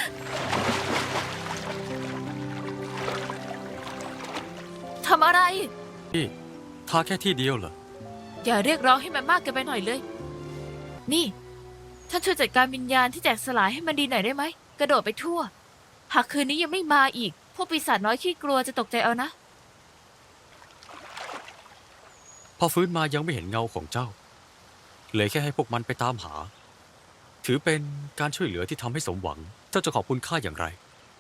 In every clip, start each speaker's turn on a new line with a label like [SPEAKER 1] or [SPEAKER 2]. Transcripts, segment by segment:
[SPEAKER 1] ทำอะไร
[SPEAKER 2] พี่ทาแค่ที่เดียวเหรอ
[SPEAKER 1] อย่าเรียกร้องให้มันมากเกินไปหน่อยเลยนี่ท่านช่วยจัดการวิญญาณที่แตกสลายให้มันดีหน่อยได้ไหมกระโดดไปทั่วหากคืนนี้ยังไม่มาอีกพวกปีศาจน้อยขี้กลัวจะตกใจเอานะ
[SPEAKER 2] พอฟื้นมายังไม่เห็นเงาของเจ้าเลยแค่ให้พวกมันไปตามหาถือเป็นการช่วยเหลือที่ทำให้สมหวังเจ้าจะขอบคุณข้าอย่างไร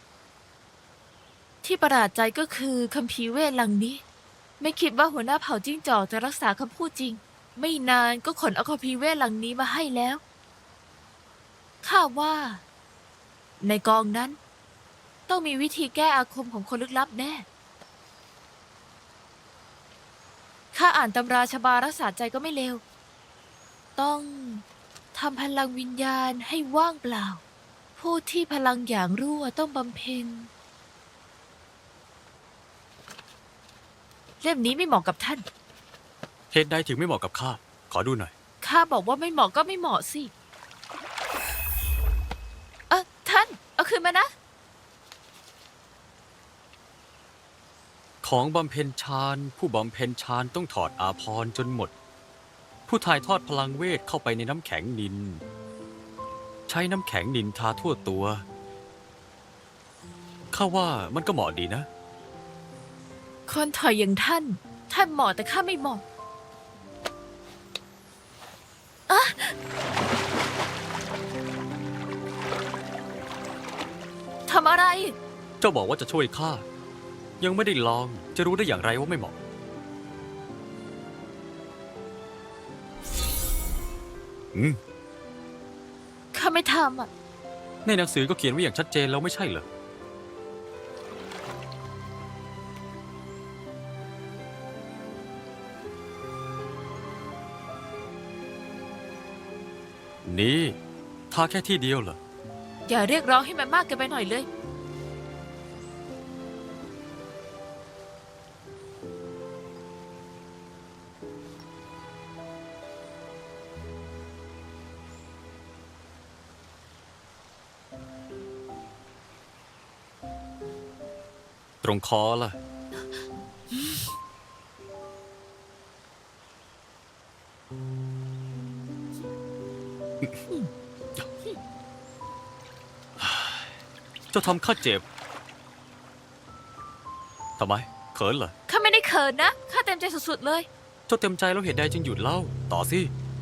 [SPEAKER 1] ที่ประหลาดใจก็คือคัมภีร์เวทลังนี้ไม่คิดว่าหัวหน้าเผ่าจิ้งจอกจะรักษาคำพูดจริงไม่นานก็ขนเอาคัมภีร์เวทลังนี้มาให้แล้วข้าว่าในกองนั้นต้องมีวิธีแก้อาคมของคนลึกลับแน่ข้าอ่านตำราชบารักษาใจก็ไม่เลวต้องทำพลังวิญญาณให้ว่างเปล่าผู้ที่พลังอย่างรั่วต้องบำเพ็ญเล่มนี้ไม่เหมาะกับท่าน
[SPEAKER 2] เหตุใดถึงไม่เหมาะกับข้าขอดูหน่อย
[SPEAKER 1] ข้าบอกว่าไม่เหมาะก็ไม่เหมาะสิท่านเอาคืนมานะ
[SPEAKER 2] ของบำเพ็ญฌานผู้บำเพ็ญฌานต้องถอดอาภรณ์จนหมดผู้ถ่ายทอดพลังเวทเข้าไปในน้ำแข็งนินใช้น้ำแข็งนินทาทั่วตัวข้าว่ามันก็เหมาะดีนะ
[SPEAKER 1] คนถอยอย่างท่านเหมาะแต่ข้าไม่เหมาะทำอะไร
[SPEAKER 2] เจ้าบอกว่าจะช่วยข้ายังไม่ได้ลองจะรู้ได้อย่างไรว่าไม่เหมาะ
[SPEAKER 1] ข้าไม่ทำ
[SPEAKER 2] ในหนังสือก็เขียนไว้อย่างชัดเจนแล้วไม่ใช่เหรอนี่ทาแค่ที่เดียวเหรอ
[SPEAKER 1] อย่าเรียกร้องให้มันมากเกินไปหน่อยเลย
[SPEAKER 2] ตรงคอล่ะเจ้าทำข้าเจ็บทำไมเขินเหรอ
[SPEAKER 1] ข้าไม่ได้เขินนะข้าเต็มใจสุดๆเลย
[SPEAKER 2] เจ้าเต็มใจแล้วเหตุใดจึงหยุดเล่าต่อสิ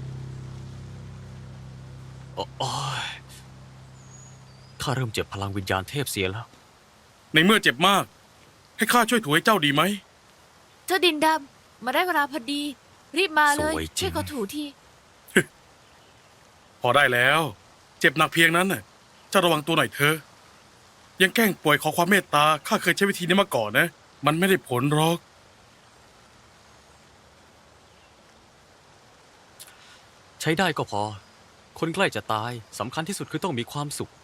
[SPEAKER 2] โอ้ยข้าเริ่มเจ็บพลังวิญญาณเทพเสียแล้ว
[SPEAKER 3] ในเมื่อเจ็บมากให้ข้าช่วยถูให้เจ้าดีไหม
[SPEAKER 1] เจ้าดินดำมาได้เวลาพอดีรีบมาเลย
[SPEAKER 2] สวยจริง
[SPEAKER 1] ช่วยเขาถูที
[SPEAKER 3] พอได้แล้วเจ็บหนักเพียงนั้นน่ะเจ้าระวังตัวหน่อยเถอะยังแกล้งป่วยขอความเมตตาข้าเคยใช้วิธีนี้มาก่อนนะมันไม่ได้ผลหรอก
[SPEAKER 2] ใช้ได้ก็พอคนใกล้จะตายสำคัญที่สุดคือต้องมีความสุข